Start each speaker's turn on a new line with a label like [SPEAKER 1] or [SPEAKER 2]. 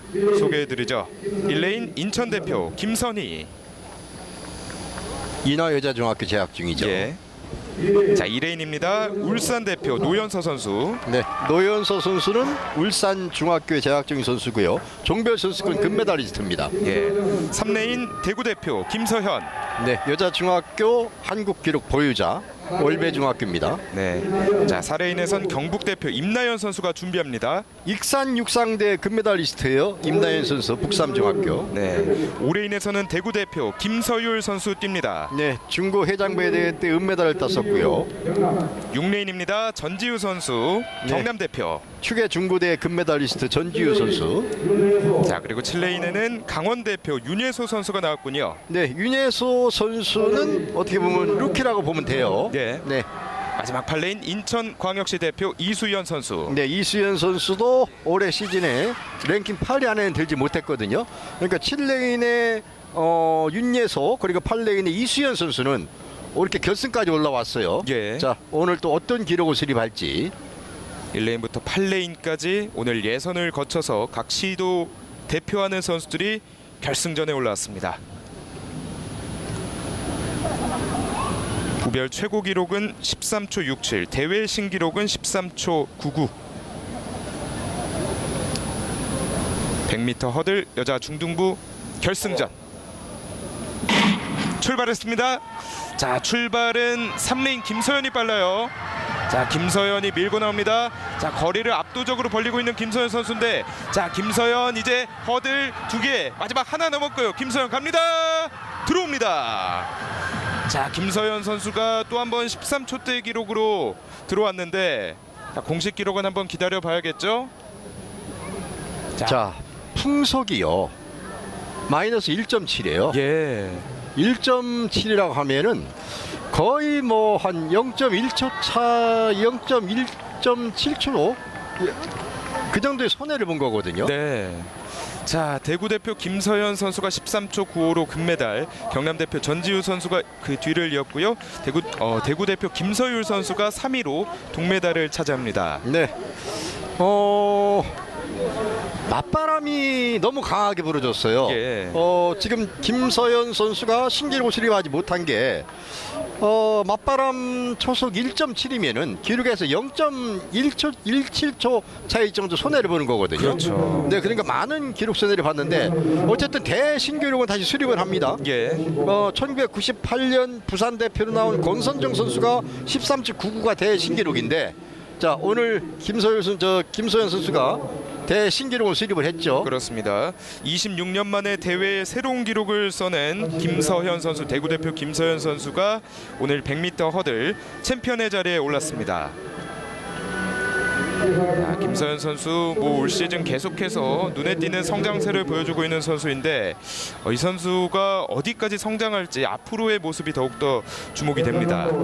[SPEAKER 1] 소개해드리죠. 1레인 인천 대표 김선희.
[SPEAKER 2] 인하여자중학교 재학 중이죠.
[SPEAKER 1] 예. 자, 2레인입니다. 울산 대표 노현서 선수.
[SPEAKER 2] 네, 노현서 선수는 울산 중학교에 재학 중인 선수고요. 종별 선수권 금메달리스트입니다.
[SPEAKER 1] 예. 3레인 대구 대표 김서현.
[SPEAKER 2] 네, 여자 중학교 한국 기록 보유자 올배 중학교입니다.
[SPEAKER 1] 네. 자, 4레인에선 경북 대표 임나연 선수가 준비합니다.
[SPEAKER 2] 익산 육상대 금메달리스트예요. 임나연 선수 북삼 중학교.
[SPEAKER 1] 네. 5레인에서는 대구 대표 김서율 선수 뜁니다.
[SPEAKER 2] 네, 중고 해장배 대회 때 은메달을 땄었고요.
[SPEAKER 1] 6레인입니다. 전지우 선수 경남 대표.
[SPEAKER 2] 축의 중고대 금메달리스트 전지우 선수.
[SPEAKER 1] 자, 그리고 7레인에는 강원 대표 윤예소 선수가 나왔군요.
[SPEAKER 2] 네, 윤예소 선수는 어떻게 보면 루키라고 보면 돼요.
[SPEAKER 1] 네.
[SPEAKER 2] 네.
[SPEAKER 1] 마지막 8레인 인천광역시 대표 이수연 선수.
[SPEAKER 2] 네, 이수연 선수도 올해 시즌에 랭킹 8위 안에는 들지 못했거든요. 그러니까 7레인의 윤예소 그리고 8레인의 이수연 선수는 이렇게 결승까지 올라왔어요.
[SPEAKER 1] 예.
[SPEAKER 2] 자, 오늘 또 어떤 기록을 수립할지.
[SPEAKER 1] 1레인부터 8레인까지 오늘 예선을 거쳐서 각 시도 대표하는 선수들이 결승전에 올라왔습니다. 부별 최고 기록은 13초 67, 대회 신기록은 13초 99. 100m 허들 여자 중등부 결승전 출발했습니다. 자, 출발은 3레인 김서연이 빨라요. 자, 김서연이 밀고 나옵니다. 자, 거리를 압도적으로 벌리고 있는 김서연 선수인데, 자, 김서연 이제 허들 2개, 마지막 하나 넘었고요. 김서연 갑니다. 들어옵니다. 자, 김서연 선수가 또 한 번 13초대 기록으로 들어왔는데, 자, 공식 기록은 한번 기다려 봐야겠죠.
[SPEAKER 2] 자, 풍속이요. 마이너스 1.7이에요.
[SPEAKER 1] 예.
[SPEAKER 2] 1.7이라고 하면은 거의 뭐 한 0.1초 차, 0.1.7초 그 정도의 손해를 본 거거든요.
[SPEAKER 1] 네. 자, 대구 대표 김서연 선수가 13초 95로 금메달, 경남 대표 전지우 선수가 그 뒤를 이었고요. 대구 대표 김서율 선수가 3위로 동메달을 차지합니다.
[SPEAKER 2] 네. 맞바람이 너무 강하게 불어줬어요.
[SPEAKER 1] 예.
[SPEAKER 2] 지금 김서연 선수가 신기록을 수립하지 못한 게 맞바람 초속 1.7이면은 기록에서 0.17초 차이 정도 손해를 보는 거거든요.
[SPEAKER 1] 그렇죠.
[SPEAKER 2] 네, 그러니까 많은 기록 손해를 봤는데 어쨌든 대신기록은 다시 수립을 합니다.
[SPEAKER 1] 예.
[SPEAKER 2] 1998년 부산 대표로 나온 권선정 선수가 13.99가 대신기록인데, 자, 오늘 김서연 선수가 대신기록을 수립을 했죠.
[SPEAKER 1] 그렇습니다. 26년 만에 대회에 새로운 기록을 써낸 김서현 선수, 대구 대표 김서현 선수가 오늘 100m 허들 챔피언의 자리에 올랐습니다. 자, 김서현 선수 올 시즌 계속해서 눈에 띄는 성장세를 보여주고 있는 선수인데, 이 선수가 어디까지 성장할지 앞으로의 모습이 더욱더 주목이 됩니다.